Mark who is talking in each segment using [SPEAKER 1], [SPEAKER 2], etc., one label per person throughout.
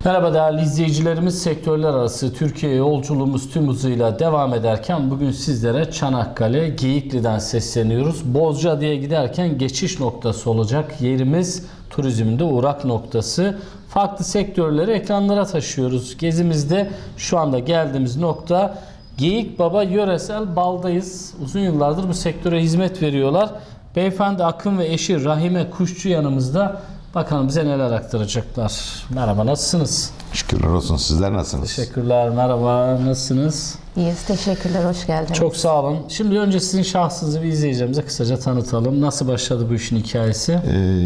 [SPEAKER 1] Merhaba değerli izleyicilerimiz, sektörler arası Türkiye yolculuğumuz tüm hızıyla devam ederken bugün sizlere Çanakkale Geyikli'den sesleniyoruz. Bozcaada'ya giderken geçiş noktası olacak yerimiz, turizminde uğrak noktası. Farklı sektörleri ekranlara taşıyoruz. Gezimizde şu anda geldiğimiz nokta Geyik Baba Yöresel Bal'dayız. Uzun yıllardır bu sektöre hizmet veriyorlar. Beyefendi Akın ve eşi Rahime Kuşçu yanımızda. Bakalım bize neler aktaracaklar. Merhaba, nasılsınız?
[SPEAKER 2] Şükürler olsun. Sizler nasılsınız?
[SPEAKER 1] Teşekkürler, merhaba, nasılsınız?
[SPEAKER 3] İyiyiz, teşekkürler, hoş geldiniz.
[SPEAKER 1] Çok sağ olun. Şimdi önce sizin şahsınızı bir izleyicilerimize kısaca tanıtalım. Nasıl başladı bu işin hikayesi?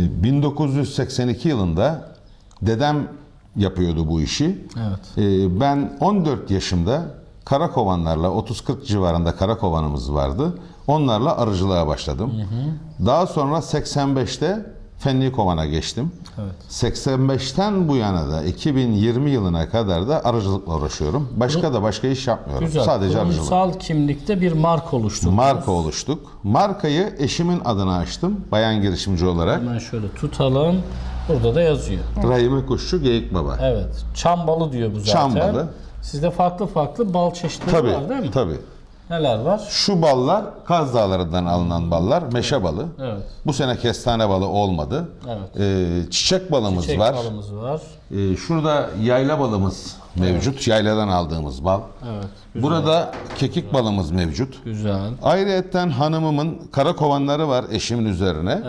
[SPEAKER 2] 1982 yılında dedem yapıyordu bu işi.
[SPEAKER 1] Evet.
[SPEAKER 2] Ben 14 yaşımda karakovanlarla 30-40 civarında karakovanımız vardı. Onlarla arıcılığa başladım. Daha sonra 85'te Fenli Kovan'a geçtim.
[SPEAKER 1] Evet.
[SPEAKER 2] 85'ten bu yana da 2020 yılına kadar da arıcılıkla uğraşıyorum. Başka iş yapmıyorum.
[SPEAKER 1] Güzel.
[SPEAKER 2] Sadece arıcılık.
[SPEAKER 1] Kurumsal kimlikte bir marka oluşturdunuz.
[SPEAKER 2] Marka oluştuk. Markayı eşimin adına açtım. Bayan girişimci olarak.
[SPEAKER 1] Hemen şöyle tutalım. Burada da yazıyor.
[SPEAKER 2] Rahime Kuşçu Geyik Baba.
[SPEAKER 1] Evet. Çam balı diyor bu zaten.
[SPEAKER 2] Çam balı.
[SPEAKER 1] Sizde farklı bal çeşitleri
[SPEAKER 2] Tabii,
[SPEAKER 1] var değil mi?
[SPEAKER 2] tabii.
[SPEAKER 1] Neler var?
[SPEAKER 2] Şu ballar Kaz Dağları'ndan alınan ballar, meşe balı.
[SPEAKER 1] Evet.
[SPEAKER 2] Bu sene kestane balı olmadı.
[SPEAKER 1] Evet.
[SPEAKER 2] Çiçek balımız
[SPEAKER 1] Çiçek
[SPEAKER 2] var.
[SPEAKER 1] balımız var.
[SPEAKER 2] Şurada yayla balımız mevcut. Yayladan aldığımız bal.
[SPEAKER 1] Evet. Güzel.
[SPEAKER 2] Burada kekik balımız mevcut.
[SPEAKER 1] Güzel.
[SPEAKER 2] Ayrıyeten hanımımın kara kovanları var eşimin üzerine.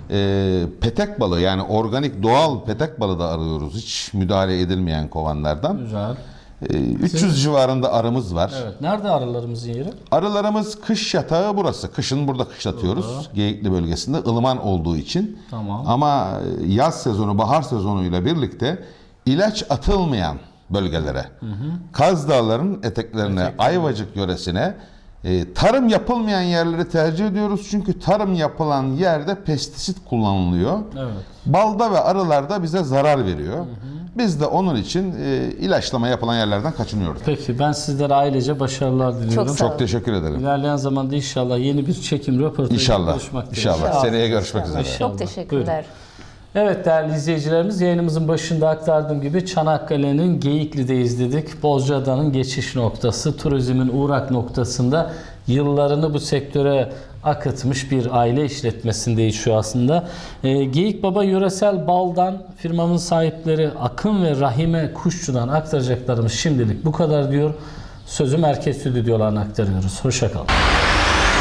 [SPEAKER 2] Petek balı, yani organik doğal petek balı da arıyoruz. Hiç müdahale edilmeyen kovanlardan.
[SPEAKER 1] Güzel.
[SPEAKER 2] 300 civarında arımız var.
[SPEAKER 1] Evet. Nerede arılarımızın yeri?
[SPEAKER 2] Arılarımız kış yatağı burası. Kışın burada kışlatıyoruz. Geyikli bölgesinde ılıman olduğu için.
[SPEAKER 1] Tamam.
[SPEAKER 2] Ama yaz sezonu, bahar sezonuyla birlikte ilaç atılmayan bölgelere, Kaz Dağları'nın eteklerine, Ayvacık yöresine, tarım yapılmayan yerleri tercih ediyoruz. Çünkü tarım yapılan yerde pestisit kullanılıyor.
[SPEAKER 1] Evet.
[SPEAKER 2] Balda ve arılarda bize zarar veriyor. Biz de onun için ilaçlama yapılan yerlerden kaçınıyoruz.
[SPEAKER 1] Peki, ben sizlere ailece başarılar diliyorum.
[SPEAKER 3] Çok sağ olun.
[SPEAKER 2] Çok teşekkür ederim.
[SPEAKER 1] İlerleyen zamanda inşallah yeni bir çekim röportajı
[SPEAKER 2] İnşallah.
[SPEAKER 1] görüşmek
[SPEAKER 2] İnşallah.
[SPEAKER 1] dileğiyle.
[SPEAKER 2] Seneye görüşmek üzere.
[SPEAKER 1] İnşallah.
[SPEAKER 3] Çok teşekkürler.
[SPEAKER 1] Buyurun. Evet değerli izleyicilerimiz, yayınımızın başında aktardığım gibi Çanakkale'nin Geyikli'deyiz dedik. Bozcaada'nın geçiş noktası, turizmin uğrak noktasında yıllarını bu sektöre akıtmış bir aile işletmesindeyiz şu aslında. Geyik Baba Yöresel Bal'dan firmamın sahipleri Akın ve Rahime Kuşçu'dan aktaracaklarımız şimdilik bu kadar diyor. Sözü Merkez Stüdyolarına aktarıyoruz. Hoşça kalın.